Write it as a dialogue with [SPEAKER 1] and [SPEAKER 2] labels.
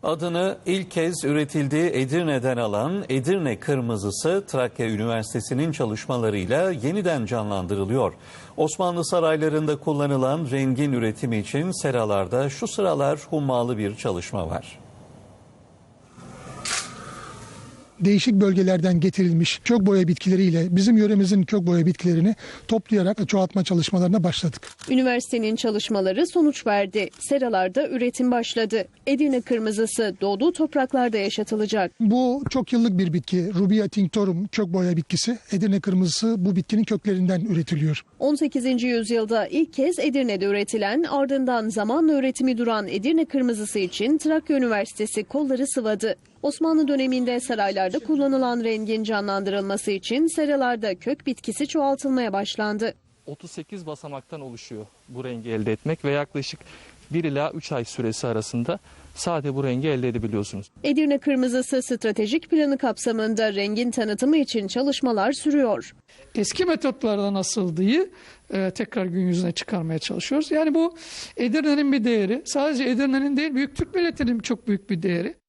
[SPEAKER 1] Adını ilk kez üretildiği Edirne'den alan Edirne Kırmızısı Trakya Üniversitesi'nin çalışmalarıyla yeniden canlandırılıyor. Osmanlı saraylarında kullanılan rengin üretimi için seralarda şu sıralar hummalı bir çalışma var.
[SPEAKER 2] Değişik bölgelerden getirilmiş kök boya bitkileriyle bizim yöremizin kök boya bitkilerini toplayarak çoğaltma çalışmalarına başladık.
[SPEAKER 3] Üniversitenin çalışmaları sonuç verdi. Seralarda üretim başladı. Edirne Kırmızısı doğduğu topraklarda yaşatılacak.
[SPEAKER 2] Bu çok yıllık bir bitki. Rubia tinctorum kök boya bitkisi. Edirne Kırmızısı bu bitkinin köklerinden üretiliyor.
[SPEAKER 3] 18. yüzyılda ilk kez Edirne'de üretilen, ardından zamanla üretimi duran Edirne Kırmızısı için Trakya Üniversitesi kolları sıvadı. Osmanlı döneminde saraylarda kullanılan rengin canlandırılması için seralarda kök bitkisi çoğaltılmaya başlandı.
[SPEAKER 4] 38 basamaktan oluşuyor bu rengi elde etmek ve yaklaşık 1 ila 3 ay süresi arasında sadece bu rengi elde edebiliyorsunuz.
[SPEAKER 3] Edirne Kırmızısı stratejik planı kapsamında rengin tanıtımı için çalışmalar sürüyor.
[SPEAKER 5] Eski metotlardan asıldığı tekrar gün yüzüne çıkarmaya çalışıyoruz. Yani bu Edirne'nin bir değeri. Sadece Edirne'nin değil, büyük Türk milletinin çok büyük bir değeri.